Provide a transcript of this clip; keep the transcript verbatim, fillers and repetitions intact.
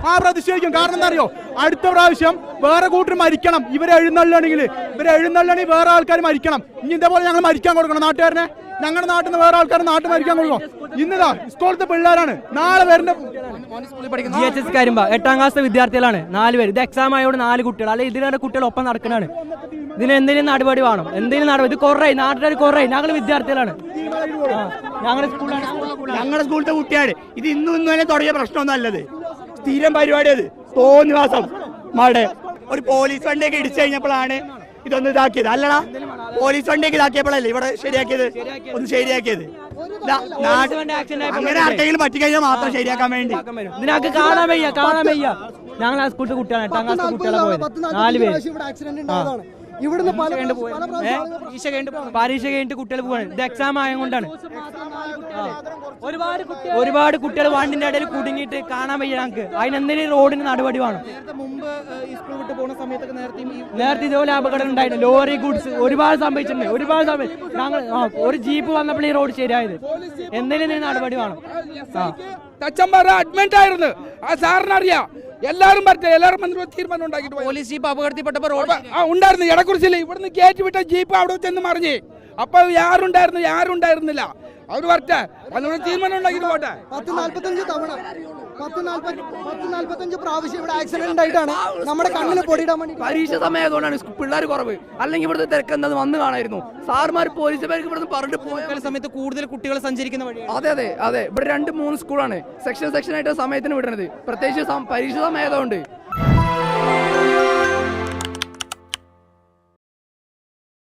ആ പ്രതിഷേധിക്കും. കാരണം എന്താ അറിയോ, അടുത്ത പ്രാവശ്യം വേറെ കൂട്ടർ മരിക്കണം. ഇവരെ എഴുന്നള്ളണെങ്കിൽ ഇവരെ എഴുന്നള്ളണെങ്കിൽ വേറെ ആൾക്കാർ മരിക്കണം. ഇനി ഇതേപോലെ ഞങ്ങൾ മരിക്കാൻ കൊടുക്കണം നാട്ടുകാരനെ. ഞങ്ങളുടെ നാട്ടിൽ നിന്ന് വേറെ ആൾക്കാർ നാട്ടിൽ മരിക്കാൻ കൊടുക്കണം. ഇന്നതാ സ്കൂളത്തെ പിള്ളേരാണ്, നാളെ വരുന്ന ജി എച്ച് എസ് കരിമ്പ എട്ടാം ക്ലാസ് വിദ്യാർത്ഥികളാണ് നാല് പേര്. ഇത് എക്സാം ആയതുകൊണ്ട് നാല് കുട്ടികൾ, അല്ലെ ഇതിലെ കുട്ടികൾ ഒപ്പം നടക്കണാണ്. ഇതിന് എന്തെങ്കിലും നടപടി വേണം, എന്തെങ്കിലും നടപടി. ഇത് കുറേ നാട്ടുകാർ കുറേ, ഞങ്ങൾ വിദ്യാർത്ഥികളാണ്, ഞങ്ങളുടെ സ്കൂളാണ്, ഞങ്ങളുടെ സ്കൂളിലത്തെ കുട്ടിയാണ്. ഇത് ഇന്നും ഇന്നും തന്നെ തുടങ്ങിയ പ്രശ്നമൊന്നും അല്ലത്, സ്ഥിരം പരിപാടി. അത് തോന്നിവാസം മടെ ഒരു പോലീസ് വണ്ടിയൊക്കെ ഇടിച്ചു കഴിഞ്ഞപ്പോഴാണ് ഇതൊന്ന് ഇതാക്കിയത്. അല്ലടാ, പോലീസ് വണ്ടിയൊക്കെ ഇതാക്കിയപ്പോഴല്ലേ ഇവിടെ ശരിയാക്കിയത്, ഒന്ന് ശരിയാക്കിയത്. അങ്ങനെ ആർക്കെങ്കിലും പറ്റിക്കഴിഞ്ഞാൽ മാത്രം ശരിയാക്കാൻ വേണ്ടി ഇതിനൊക്കെ കാണാൻ വയ്യ, കാണാൻ വയ്യ. ഞങ്ങൾ ആ സ്കൂളിലെ കുട്ടികളാണ്, എട്ടാം ക്ലാസ് കുട്ടികളെ പോയത് നാല് പേര്. ഇവിടുന്ന് പരീക്ഷ കഴിഞ്ഞിട്ട് കുട്ടികൾ പോവാണ്. ഇത് എക്സാം ആയതുകൊണ്ടാണ്. ഒരുപാട് ഒരുപാട് കുട്ടികൾ വണ്ടിന്റെ ഇടയിൽ കുടുങ്ങിയിട്ട് കാണാൻ വയ്യ ഞങ്ങൾക്ക്. അതിനെന്തെങ്കിലും റോഡിന് നടപടി വേണം. നേരത്തെ ഇതുപോലെ അപകടം ഉണ്ടായിരുന്നു. ലോറി ഗുഡ്സ് ഒരുപാട് സംഭവിച്ചിട്ടുണ്ട്, ഒരുപാട് സംഭവിച്ചു. ഞങ്ങൾ ഒരു ജീപ്പ് വന്നപ്പോൾ ഈ റോഡ് ശരിയായത്. എന്തെങ്കിലും നടപടി വേണം. തച്ചമ്പാറ അഡ്മിറ്റ് ആയിരുന്നു, ആ സാറിനറിയാം. എല്ലാരും പറഞ്ഞ എല്ലാവരും തീരുമാനം ഉണ്ടാക്കിയിട്ട് പോലീസ് ജീപ്പ് അപകടത്തിൽപ്പെട്ടപ്പോ റോഡ് ഉണ്ടായിരുന്നു. ഇടക്കുറിച്ചില്ല, ഇവിടുന്ന് കയറ്റി വിട്ട ജീപ്പ് അവിടെ ചെന്ന് മറിഞ്ഞ്. അപ്പൊ ആരുണ്ടായിരുന്നു, ആരും ഉണ്ടായിരുന്നില്ല. അവർ പറഞ്ഞ അതിനോട് തീരുമാനം ഉണ്ടാക്കിയിട്ട് പോട്ടെ. പത്ത് നാല്പത്തഞ്ച് തവണ പത്ത് നാല്പത്തി പത്ത് നാല്പത്തഞ്ച് പ്രാവശ്യം ഇവിടെ ആക്സിഡന്റ് ആയിട്ടാണ് നമ്മുടെ കണ്ണിന് പൊടിയിടാൻ വേണ്ടി. പരീക്ഷ സമയമായതുകൊണ്ടാണ് പിള്ളേർ കുറവ്, അല്ലെങ്കിൽ ഇവിടുത്തെ തിരക്ക് എന്താ വന്ന് കാണായിരുന്നു. സാർമാർ പോലീസുകാർക്ക് ഇവിടുന്ന് പറഞ്ഞിട്ട് പോയ സമയത്ത് കൂടുതൽ കുട്ടികൾ സഞ്ചരിക്കുന്ന വഴി. അതെ അതെ അതെ ഇവിടെ രണ്ട് മൂന്ന് സ്കൂളാണ് സെക്ഷൻ സെക്ഷൻ ആയിട്ട് സമയത്തിന് വിടുന്നത്, പ്രത്യേകിച്ച് പരീക്ഷ സമയമായതുകൊണ്ട്.